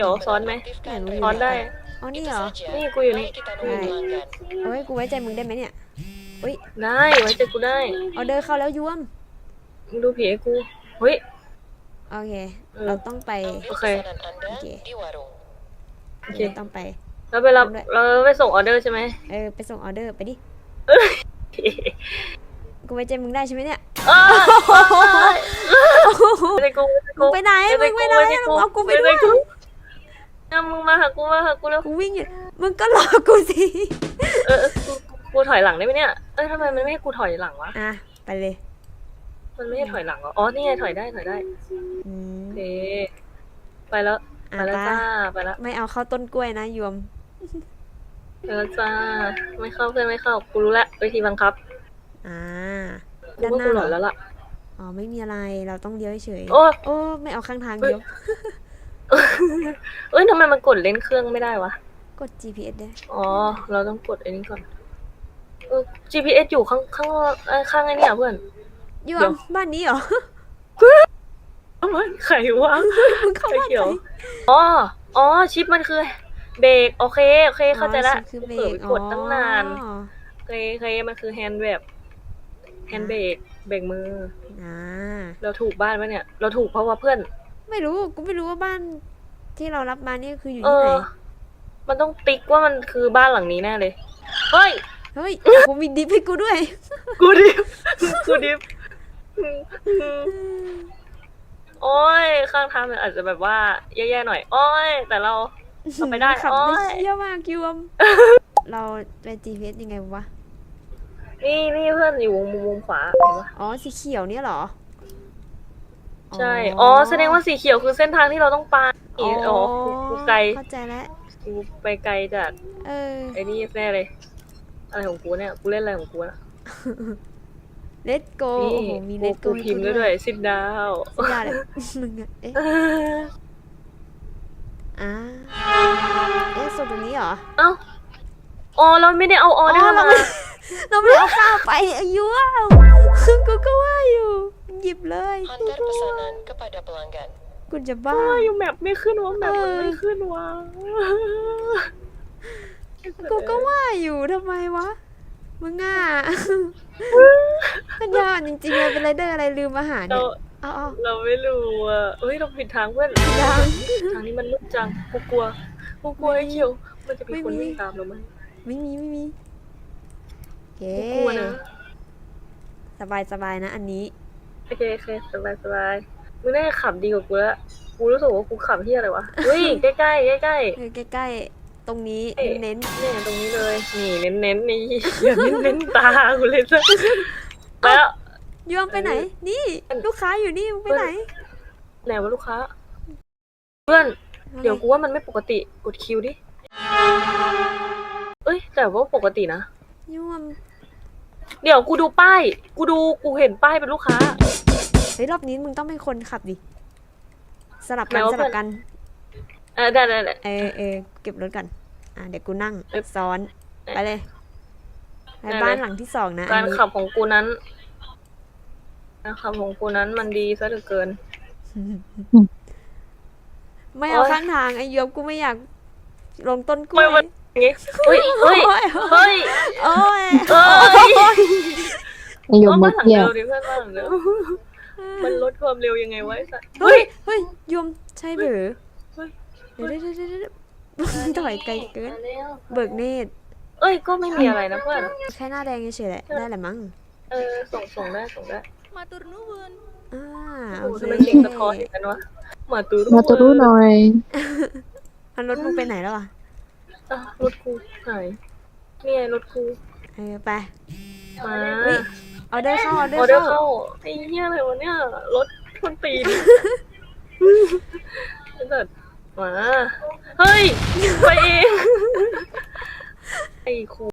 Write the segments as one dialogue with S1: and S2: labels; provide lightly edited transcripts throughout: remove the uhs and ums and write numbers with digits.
S1: เดี๋ยวซ้อนไหมซ้อนได้
S2: อ๋อนี่เหรอ
S1: นี่กูอยู่นี่
S2: โอ้ยกูไว้ใจมึงได้ไหมเนี่ยอุ้ย
S1: ได้ไว้ใจกูได้
S2: ออเดอร์เข้าแล้วยวม
S1: มึงดูผีให้กูเฮ้ย
S2: โอเคเราต้องไป
S1: โอเค
S2: โอเค
S1: โอเค
S2: ต้องไป
S1: เราไปรับเราไปส่งออเดอร์ใช่ไหม
S2: ไปส่งออเดอร์ไปดิกูไว้ใจมึงได้ใช่ไหมเนี่ย
S1: ไม่ได้กู
S2: มึงไปไหนมึงไปไหนเอากูไปด้วย
S1: มึงมาหากูแล้ว
S2: กูวิ่งอยู่มึงก็รอกูสิ
S1: กูถอยหลังได้ไหมเนี่ยทำไมมันไม่ให้กูถอยหลังวะ
S2: ไปเลย
S1: มันไม่ให้ถอยหลังอ๋อนี่ไงถอยได้โอเคไปแล้วจ้าไปแล้ว
S2: ไม่เอาเข้าต้นกล้วยนะยวม
S1: ไปแล้วจ้าไม่เข้าเพื่อนไม่เข้ากูรู้แล้ววิธีบังคับ
S2: ด้านหน้า
S1: หรอแล้วล่ะ
S2: อ๋อไม่มีอะไรเราต้องเลี้ยวเฉย
S1: โอ้
S2: ไม่เอาข้างทางเดียว
S1: ทำไมมันกดเล่นเครื่องไม่ได้วะ
S2: กด GPS ได้
S1: อ๋อเราต้องกดไอ้นี้ก่อนGPS อยู่ข้างไอ้นี่เพื่อน
S2: อยู่บ้านนี้เหรอ
S1: ไข่วะไข่เขียวอ๋อชิปมันคือเบรกโอเคเข้าใจละ
S2: คือเบรก
S1: กดตั้งนานโอเคมันคือแฮนด์เบรกมือเราถูกบ้านปะเนี่ยเราถูกเพราะว่าเพื่อน
S2: ไม่รู้กูไม่รู้ว่าบ้านที่เรารับมานี่คืออยู่ที่ไหน
S1: มันต้องติ๊กว่ามันคือบ้านหลังนี้แน่เลยเฮ้ย
S2: กูมีดิฟให้กูด้วย
S1: กูดิฟโอ้ยข้างทางมันอาจจะแบบว่าแย่ๆหน่อยโอ้ยแต่เราไปได้
S2: ขับได้เยี่ยมมากยวมเราไป GPS ยังไงวะ
S1: นี่เพื่อนอยู่มุมขวาเห็นปะ
S2: อ๋อสีเขียวเนี่ยเหรอ
S1: ใช่แสดงว่าสีเขียวคือเส้นทางที่เราต้องไปกูไกล
S2: เข้าใจแล้ว
S1: กูไปไกลจากไอ้นี่แน่เลยอะไรของกูเนี่ยกูเล่นอะไรของกูนะ
S2: Let's go โอ้โหมี Let's go
S1: พิมพ์ด้วยซิดดาว
S2: เลยมึงส่วนตรงนี้เหรอ
S1: เราไม่ได้เอาเดอร์มา
S2: เราไม่เอาข้าวไปอายุกูก็ว่าอยู่หยิบเลยกูจะบ้า
S1: อยู่แมปไม่ขึ้นวะแมปมันไม่ขึ้นวะ
S2: กูก็ว่าอยู่ทำไมวะมึงปัญญาจริงๆเลยเป็นไรเดอร์อะไรลืมอาหารเนี่ย
S1: เราไม่รู้เราผิดทางเพื่อนทางนี้มันมืดจังกูกลัวไอ้เขียวมันจะมีคนวิ่งตามเราไหม
S2: ไม่มีโอเคสบายนะอันนี้
S1: โอเคสบายมึงน่าจะขับดีกว่ากูแล้วกูรู้สึกว่ากูขับที่อะไรวะใกล้
S2: ตรงนี้เน้น
S1: เนี่ยตรงนี้เลยนี่เน้นนี่อย่าเน้นตากูเลยซะแล้ว
S2: ยอมไปไหนนี่ลูกค้าอยู่นี่ไปไหน
S1: วะลูกค้าเพื่อนเดี๋ยวกูว่ามันไม่ปกติกดคิวดิแต่ว่าปกตินะ
S2: ยวม
S1: เดี๋ยวกูดูป้ายกูเห็นป้ายเป็นลูกค้
S2: ารอบนี้มึงต้องเป็นคนขับดิสลับกัน
S1: ได้
S2: เก็บรถกันเดี๋ยวกูนั่งซ้อนไปเลยบ้านหลังที่2นะ
S1: การขับของกูนั้นมันดีซะเหลือเกิน
S2: ไม่เอาข้างทางไอ้ยมกูไม่อยากลงต้นกล้วย
S1: เฮ้ย
S2: โอ้ย
S1: ยมมาเที่ยวดิเพื่อนบ้างเร็วมันลดความเร็วยังไงไว้สัตว์
S2: เฮ้ยยมใช่หรือเดี๋ยวถอยไกลเกินเบิกเนตร
S1: ก็ไม่มีอะไรนะเพื่อน
S2: แค่หน้าแดงเฉยๆแหละได้แหละมั้ง
S1: ส่งได้
S3: มาตูนูน
S1: โอเคมันเสียงสะท้อนอย่างนั้นวะมาตู
S4: รูหน่อย
S2: รถมึงไปไหนแล้ว
S1: รถกูไหนนี่ไงรถกู
S2: ไป
S1: มา
S2: ออเดอร์เข้า
S1: ไอ้เหี้ยอะไรวะเนี่ยรถคนตีนมาเฮ้ยไปเองไอ้ครู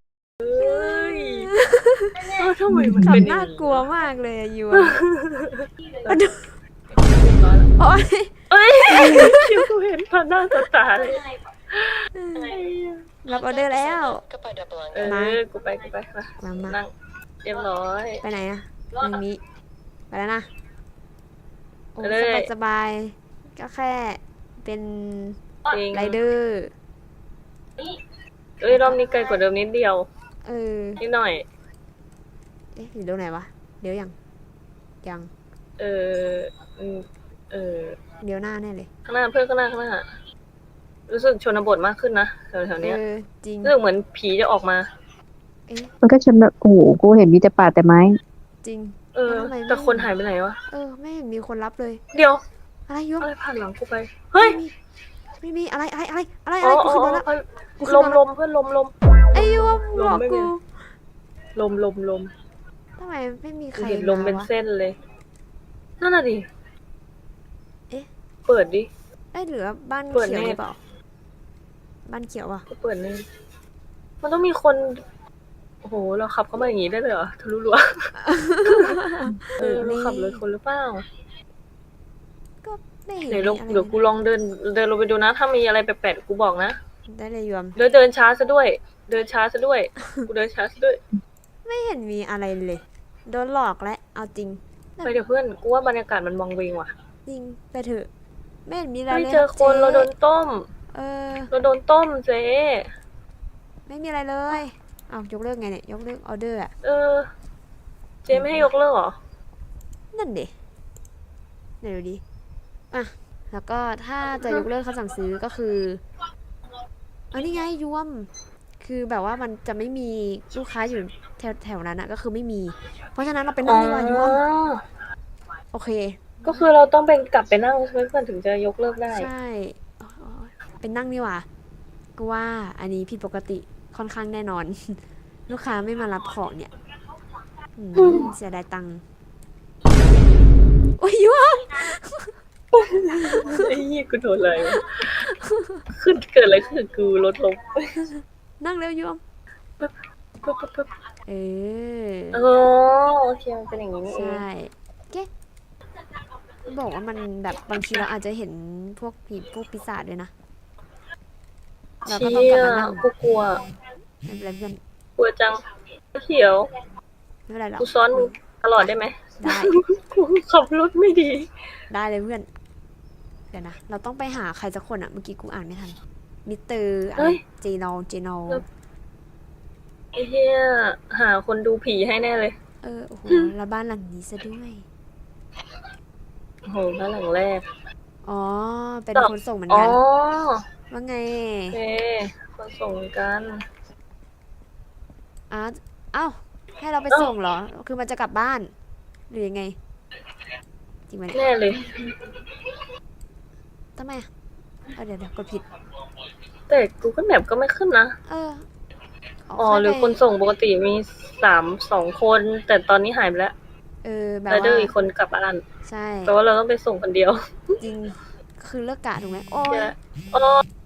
S1: ทำไมมันเป็น
S2: น่ากลัวมากเลยยู
S1: คิวกูเห็นผ่านหน้าตาเลย
S2: รับออเดอร์แล้ว
S1: กูไป
S2: มา
S1: นั่งเรียบร้อย
S2: ไปไหนตรงนี้ไปแล้วนะสบายก็แค่เป็น
S1: จริง
S2: ไรเดอร์
S1: เอ้ยรอบนี้ไกลกว่าเดิมนิดเดียว
S2: เออ
S1: นิดหน่อย
S2: เอ๊ะอยู่ตรงไหนวะเดี๋ยวยังยัง
S1: เอออืมเออ
S2: เดี๋ยวหน้าแน่เลย
S1: ข้างหน้าเพื่อนข้างหน้ารู้สึกชนบทมากขึ้นนะแถวๆ
S2: เอ
S1: เนี้ย
S2: อจริง
S1: รู้สึกเหมือนผีจะออกมา
S2: เอ๊ะ
S4: มันก็ชนแบบโอ้โหกูเห็นมีแต่ป่าแต่ไม้
S2: จริง
S1: เออ
S2: แล้วทำไมไม่
S1: แต่คนหายไปไหนวะ
S2: เออไม่เห็นมีคนรับเลย
S1: เดี๋ยว
S2: อะไรยก
S1: อะไรผ่านหลังกูไป เฮ้ย
S2: ไม่มีอะไรอะไร
S1: อ๋อ
S2: กู
S1: อ๋อ
S2: ขึ้นมาแล้ว
S1: อ๋อ
S2: กูขึ้น
S1: ลม
S2: มา
S1: ล
S2: แล้ว
S1: มเพื่อนลม
S2: ไอ้ยวม
S1: ล
S2: บ
S1: ม
S2: อก
S1: ไม่มี
S2: กู
S1: ลม
S2: ทำไมไม่มีใค
S1: กู
S2: ร
S1: เห็นลม
S2: มา
S1: เป็น
S2: วะ
S1: เส้นเลย นั่นน่ะดิ
S2: เอ๊ะ
S1: เปิดดิ
S2: เอ้ยหรือว่าบ้าน
S1: เปิด
S2: เขียว
S1: เน็ต
S2: หรือเปล่าบ้านเขียวอ่ะ
S1: กูเปิดนี่มันต้องมีคน โอ้โห เราขับเข้ามาอย่างนี้ได้เลยเหรอทะลุรั้วเออเราขับเลยคนหรือเปล่า
S2: ก็ไม่เห็น
S1: เดี๋ยว
S2: มีอะไร
S1: เดี๋ยวกูลองเดินลงไปดูนะ ถ้ามีอะไรแปลกๆกูบอกนะ
S2: ได้เลยยวม
S1: เดินช้าซะด้วย เดินช้าซะด้วย กูเดินช้าซะด้วย
S2: ไม่เห็นมีอะไรเลยโดนหลอกและเอาจริง
S1: ไปเดี๋ยวเพื่อน กูว่าบรรยากาศมันมองเวงว่ะ
S2: จริงไปเถอะไม่เห็นมีอะไร
S1: ไม่
S2: เลย
S1: เจอคน
S2: จ๊
S1: เราโดนต้ม
S2: เออ
S1: เราโดนต้มเจ๊
S2: ไม่มีอะไรเลยอ้าวยกเลิกไงเนี่ยยกเลิกออเดอร์อ่ะ
S1: เออ เจ๊ไม่ให้ยกเลิกเหรอ
S2: นั่นดิไหนดูดิอ่ะแล้วก็ถ้าจะยกเลิกคำสั่งซื้อก็คืออันนี้ไงยวมคือแบบว่ามันจะไม่มีลูกค้าอยู่แถวนั้นนะก็คือไม่มี เพราะฉะนั้นเราไปนั่งดีกว่ายวมโอเค
S1: ก็คือเราต้องเป็นกลับไปนั่งใช่ไหมเพื่อนถึงจะยกเลิกได้
S2: ใช่อ๋อเป็นนั่งนี่หว่าก็ว่าอันนี้ผิดปกติค่อนข้างแน่นอน ลูกค้าไม่มารับของเนี่ยเสียดายตังค์โอ้ยยวม
S1: ไอ้ยี่กูโดนอะไรวะขึ้นเกิดอะไรขึ้นกับกูรถล้ม
S2: นั่งเร็วยวม
S1: ปึ๊บปึ๊บ
S2: เออ
S1: อ๋อโอเคมันเป็นอย่างนี้นี่เอง
S2: ใช่เก๊บอกว่ามันแบบบางทีเราอาจจะเห็นพวกผีพวกปีศาจด้วยนะเราก็
S1: เชี่
S2: ต้องกลับ
S1: ย
S2: มานั่ง
S1: กูกลัว
S2: ไม่เป็นไรเพื่อน
S1: กลัวจังเขียว
S2: ไม่เป็นไรหรอก
S1: กูซ้อนมึงตลอดได้ไหม
S2: ได้
S1: กูขับรถไม่ดี
S2: ได้เลยเพื่อนเดี๋ยวนะเราต้องไปหาใครสักคนอะเมื่อกี้กูอ่านไม่ทันมิสเตอร์อะไรเจนอล
S1: ไอ้เหี้ยหาคนดูผีให้แน่เลย
S2: โอ้โหแล้วบ้านหลังนี้ซะด้วย
S1: โอ้โหบ้านหลังแรก
S2: อ๋อเป็นคนส่งเหมือน
S1: อ๋อ
S2: กันว่าไง
S1: โอเคคนส่งกัน
S2: เอ้าให้เราไปส่งเหรอคือมันจะกลับบ้านหรือยังไงจริงไหมเนี่ย
S1: แน่เลย
S2: ทำไมอะเดี๋ยวกดผิด
S1: แต่ Google Map ก็ไม่ขึ้นนะ อ๋อ หรือคนส่งปกติมี2 คน แต่ตอนนี้หายไปแล้ว
S2: แบบ
S1: ไรเดอร์
S2: ว่า
S1: อีกคนกลับบ้าน
S2: ใช่
S1: แปลว่าเราต้องไปส่งคนเดียว
S2: จริงคือเลิกกะถูกไหมโอ้ย
S1: อ๋อ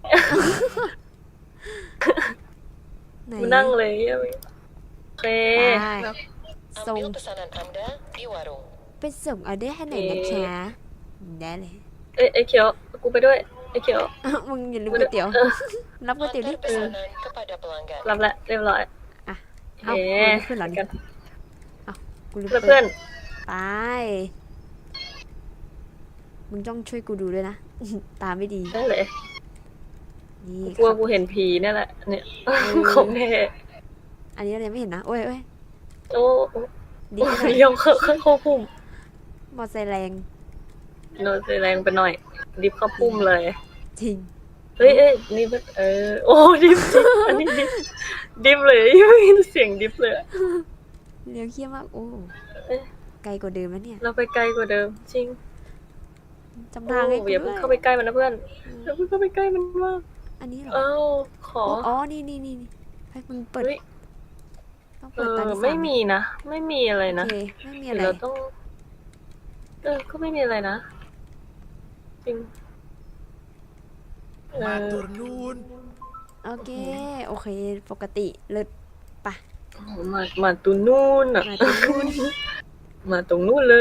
S2: ไหน
S1: กูนั่งเลยโอเค
S2: ได้ส่ง
S5: Ambil pesanan Anda di warung.
S2: ไปส่งออเดอร์ให้หน่อยนะคะได้เลย
S1: ไอ้เขียว กูไปด้วย ไอ้เขียว
S2: มึงอย่าลืมก๋วยเตี๋ยว
S1: เออ
S2: รับก๋วยเตี๋ยวดิ
S5: Antar pesanan kepada pelanggan.
S1: รับแล้วเรียบร้อย
S2: อ่ะ
S1: เอ๊
S2: เอาขึ้นเหรอ
S1: กัน
S2: กูลืม
S1: เพื่อน
S2: ไปมึงต้องช่วยกูดูด้วยนะ ตาไม่ดี
S1: ได้เลย
S2: นี่
S1: กลัวกูเห็นผีนี่แหละ เนี่ย ของแท้
S2: อันนี้เรายังไม่เห็นนะโอ้ย
S1: โอ้
S2: ดีไปหน่อย
S1: เลี้ยวเข้าพุ่ม
S2: มอไซค์แรง
S1: โดนแรงไปหน่อย ดิฟเข้าพุ่มเลย
S2: จริง
S1: เฮ้ยนี่มันโอ้ดิฟอันนี้ดิฟเลยไม่มีเสียงดิฟเลย
S2: เลี้ยวเขี้ยมากโอ้
S1: เอ๊ะ
S2: ไกลกว่าเดิมแล้วเนี่ย
S1: เราไปไกลกว่าเดิม จริง
S2: จำ
S1: โอ้
S2: ทางให้กู
S1: อย่า
S2: ด้
S1: เพิ่
S2: ว
S1: ง
S2: ย
S1: เข้าไปใกล้มันนะเพื่อนอย่าเพิ่งเข้าไปใกล้มันมาก
S2: อันนี้เหรอ
S1: เอ้าขอ
S2: อ๋อนี่ให้มึงเปิด
S1: เฮ้ย
S2: ต้องเปิดตาที่สาม
S1: ไม่มีนะ ไม่มีอะไรนะ
S2: โอเคไม่มี
S1: เดี๋
S2: อะไร
S1: ยวเราต้อง ก็ไม่มีอะไรนะ จริง
S6: Matur nuwun.
S2: โอเคปกติเลิศ
S1: มาตรงนู้นอ่ะ
S2: มาตรงนู้น
S1: มาตรงนู้นเลย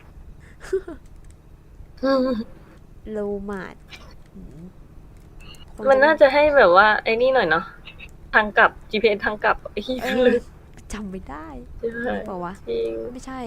S2: โลมาดค
S1: มันน่าจะให้แบบว่า ไอ้นี่หน่อยเนาะ ทางกลับ GPS ทางกลับไอ้ที่
S2: เอ
S1: เล
S2: อย จำไม่ได้
S1: ใช่
S2: เปล่าวะ
S1: จริง
S2: ไม่ใช่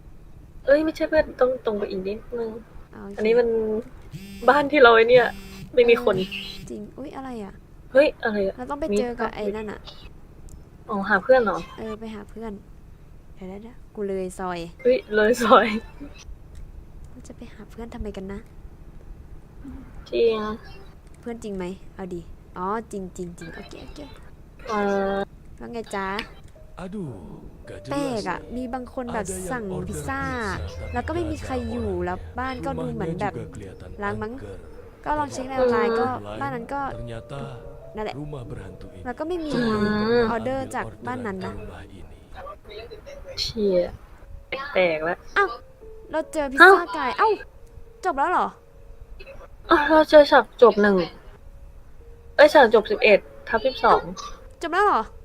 S1: เอ้ยไม่ใช่เพื่อนต้องตรงไปอีกนิดนึง
S2: โเค
S1: อันนี้มันบ้านที่เราไอ้เนี่ยไม่มีคน
S2: จริง อุ๊ย อะไรอ่ะ
S1: เฮ้ย อะไรอะ
S2: เราต้องไปเจอกับไอ้นั่นอ่ะ
S1: อ๋อหาเพื่อนเหรอ
S2: ไปหาเพื่อน เดี๋ยวกูเลยซอย
S1: เฮ้ย เลยซอย
S2: เราจะไปหาเพื่อนทำไมกันนะ
S1: จริง
S2: เพื่อนจริงไหม เอาดี อ๋อ จริงจริงจริงโอเคโอเค ว่าไงจ๊ะ
S6: Aduh, gak
S2: แปล
S6: jelas
S2: กอ่ะ
S6: nih.
S2: มีบางคนแบบ
S6: Ada yang
S2: สั่ง
S6: order
S2: พิซซ่า
S6: pizza,
S2: แล้วก็ไม่มีใคร
S6: tapi
S2: อยู่
S6: nggak
S2: แล้วบ้านก็ดูเหมือน
S6: Rumahnya
S2: แบบ
S6: juga kelihatan
S2: ล้างมั้ง
S6: angker.
S2: ก็ลองเช็คในออนไลน์ก็
S6: Lain,
S2: บ้านนั้นก็
S6: ternyata
S2: นั่นแหละ
S6: rumah berhantu ini.
S2: แล้วก็ไม่มี
S6: Coba
S1: Hmm.
S6: pernah
S2: ออเดอร์
S6: ambil
S2: จากบ้านนั้น
S6: orderan
S2: นะ
S6: ke rumah ini.
S1: เชียแปลกๆแล้ว
S2: อ้าว เราเจอพิซซ่าไก่เอ้า จบแล้วเหรอ
S1: อ้าวเราเจอฉากจบ1 ฉากจบ11/12
S2: จบแล้วเหรอ